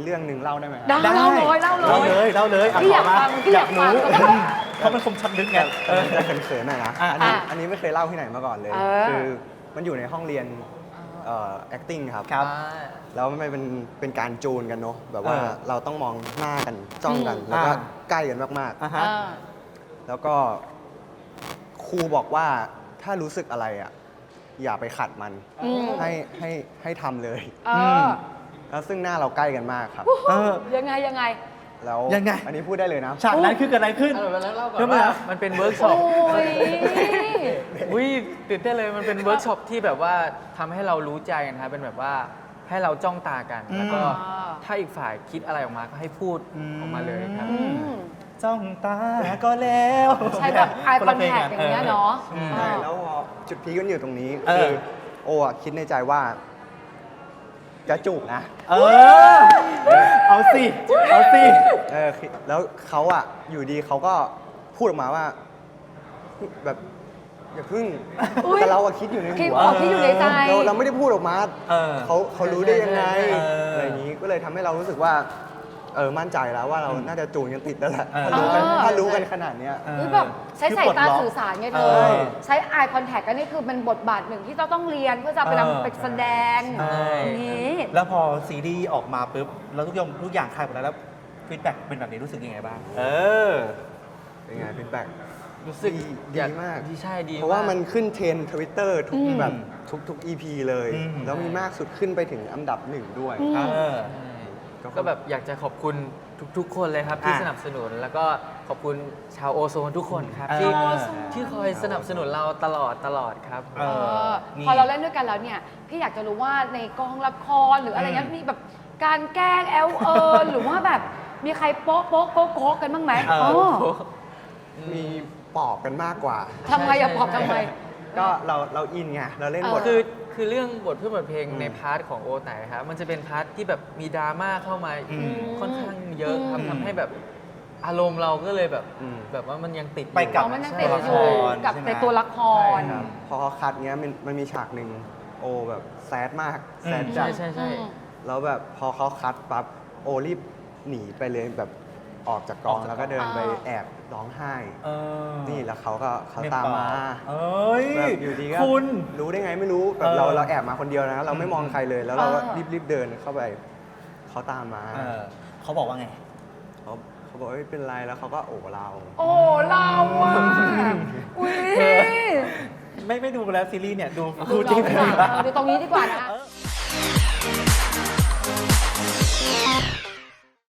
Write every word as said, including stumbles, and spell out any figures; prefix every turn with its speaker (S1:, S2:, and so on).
S1: เรื่องหนึ่งเล่าได้ไหม
S2: ได้เล่าเลยเล่าเลย
S3: เล่าเลยเล่าเลย
S2: พี่อยากฟังพี่อยากฟัง
S3: เพราะมันคมชัดลึกไง
S1: เออจะเขินๆหน่อยนะ
S3: อ่ะ
S1: อันนี้
S2: อ่ะ
S1: อันนี้ไม่เคยเล่าที่ไหนมาก่อนเลย
S2: เออ
S1: คือมันอยู่ในห้องเรียนเอ่อ acting ครับ
S3: ครับ
S1: แล้วมันเป็นเป็นการจูนกันเนาะแบบว่า
S3: เออ
S1: เราต้องมองหน้ากันจ้องกัน
S2: อืม
S1: แล้วก็
S3: อ่า
S1: ใกล้กันมาก
S3: อ่ะ
S2: เอ
S3: ฮะ
S2: อ
S1: ๆ แล้วก็ครูบอกว่าถ้ารู้สึกอะไรอ่ะอย่าไปขัดมัน
S2: อืม
S1: ให้ให้ให้ทำเลย
S2: เออ
S1: แล้วซึ่งหน้าเราใกล้กันมากครับ
S3: เออ
S2: ยังไงยังไง
S1: แล้ว
S3: ยังไง
S1: อันนี้พูดได้เลยนะ
S3: ฉากนั้นคือเกิดอะไรขึ้น
S4: เออแล้วเล่าก่อน
S3: ทำไม
S4: ว่า
S3: อ่ะ
S4: มันเป็นเวิร์กช็อ
S2: โอ้
S4: ป
S2: ย
S4: อุ้ยตื่นเต้นเลยมันเป็นเวิร์กช็อปที่แบบว่าทำให้เรารู้ใจกันครับเป็นแบบว่าให้เราจ้องตากัน
S3: อืม
S4: แล้วก็
S2: อ่า
S4: ถ้าอีกฝ่ายคิดอะไรออกมาก็ให้พูด
S3: อืม
S4: ออกมาเลยครับ
S2: อืม
S3: จ้องตาก็แล้ว
S2: ใช้แบบ eye
S3: คนละเพล
S2: contact อย่างเงี้ยเนาะ
S3: อืม
S1: ใช่แล้วพอจุดพีคกันอยู่ตรงนี้
S3: เออ
S1: คือโออะคิดในใจว่า จะจูบนะ
S3: เออ เอาสิ เอาสิ
S1: เออคิดแล้วเขาอะอยู่ดีเขาก็พูดออกมาว่า แบบอย่าพึ่ง
S2: อุ๊ย
S1: แต่เราอะคิดอยู่ใน
S2: คิด
S1: หัว
S2: ออกที่อยู่ในใจ
S1: เราเราไม่ได้พูดออกมา
S3: เออ
S1: เขาเขารู้ได้ยังไง
S3: เอออ
S1: อะไรอย่างนี้ก็เลยทำให้เรารู้สึกว่าเออมั่นใจแล้วว่าเราน่าจะจูนกันติดแล้วแหละ
S3: เออ
S1: ถ้ารู้กัน
S2: เออ
S1: ถ้ารู้กันขนาดเนี้ย
S3: เออ
S2: หรือแบบใช้สายตา
S3: คือปลดล็อก
S2: สื่อสารไงเธ
S3: เอ
S2: อ
S3: อ
S2: ใช้ eye contact กันนี่คือเป็นบทบาทหนึ่งที่เราต้องเรียนเพื่อจะไป
S3: เออ
S2: นำไปแสดง
S3: ใช่
S2: อย่างนี้
S3: แล้วพอซีรีส์ออกมาปุ๊บแล้วทุกอย่างทุกอย่างคลายหมดแล้วแล้วฟีดแบ็กเป็นแบบนี้รู้สึกยังไงบ้าง เออ
S1: เป็นไงฟีดแบ็ก
S4: รู้สึก
S1: ดี
S4: อย
S1: ดีมาก
S4: ดีใช่ดี
S1: เพราะว่ามัน
S4: ก
S1: ขึ้นเทรนทวิตเตอร์ทุก
S2: อืม
S1: แบบทุกทุก อี พี เลย
S3: อืม
S1: แล้วมีมากสุดขึ้นไปถึงอันดับหนึ่งด้วย
S2: อืม
S3: เออ
S4: ก็แบบอยากจะขอบคุณทุกๆ คนเลยครับที่
S3: อ่ะ
S4: สนับสนุน แล้วก็ขอบคุณชาวโอโซนทุกคนครับ
S3: เออ
S4: ที่
S2: โอโซน
S4: ที่คอยสนับสนุนเราตลอดตลอดครับ
S3: เอ
S2: เออ
S3: นี่
S2: พอเราเล่นด้วยกันแล้วเนี่ย พี่อยากจะรู้ว่าในกองละครหรืออะไรเงี้ย
S3: อืม
S2: มีแบบการแกล้งแอลเอิญหรือว่าแบบมีใครโป๊ะโป๊ะโก๊ะโก๊ะกันบ้างไหม
S3: เออ
S2: อ๋อ
S1: มีปอบกันมากกว่า
S2: ทำไมอะบอกทำไม
S1: ก็เราเราอินไงเราเล่นบท
S2: เอ
S4: คือคือเรื่องบทเพื่อบทเพลง
S1: อืม
S4: ในพาร์ทของโอไตครับมันจะเป็นพาร์ทที่แบบมีดราม่าเข้ามา
S3: อืม
S4: ค่อนข้างเยอะครับ
S3: อืม
S4: ทำให้แบบอารมณ์เราก็เลยแบบ
S1: อืม
S4: แบบว่ามันยังติดอยู่
S3: ไปกับ
S2: อ๋อมันยัง
S4: ใช่
S2: ติด
S3: ตัวละ
S2: อ
S3: ค
S2: ยู่
S3: ร
S2: กับ
S3: ใช่ไหม
S2: ในตัวละคร
S4: ใช่ครับ
S1: พอเขาคัดเงี้ยมันมันมีฉากหนึ่งโอแบบแซดมากแซด
S3: อืม
S1: จั
S4: ใช่
S1: ด
S4: ใช่ใช่
S2: อืม
S1: แล้วแบบพอเขาคัดปั๊บโอรีบหนีไปเลยแบบออกจากกอง
S3: ออกจากกอง
S1: แล้วก็เดินไป
S2: อ่า
S1: แอบร้องไห้
S3: เออ
S1: นี่แล้วเขาก็เขา
S3: เม
S1: ตามมา
S3: เอ้ย
S1: แบบอยู่ดีก็
S3: คุณ
S1: รู้ได้ไงไม่รู้แบบเรา
S3: เออ
S1: เราแอบมาคนเดียวนะ เราไม่มองใครเลย แล้วเราก็
S2: อ่า
S1: รีบรีบเดินเข้าไปเขาตามมา
S3: เออเขาบอกว่าไง
S1: เขาเขาบอกไม่เป็นไรแล้วเขาก็โอบเรา
S2: โอ้เราอ่ะอุ้ย
S3: ไม่ไม่ดูแล้วซีรีส์เนี่ย ดู
S2: ดู
S3: ดูจริง
S2: เราดีกว่า
S3: ดีกว่า
S2: เออดูตรงนี้ดีกว่านะ
S3: เออ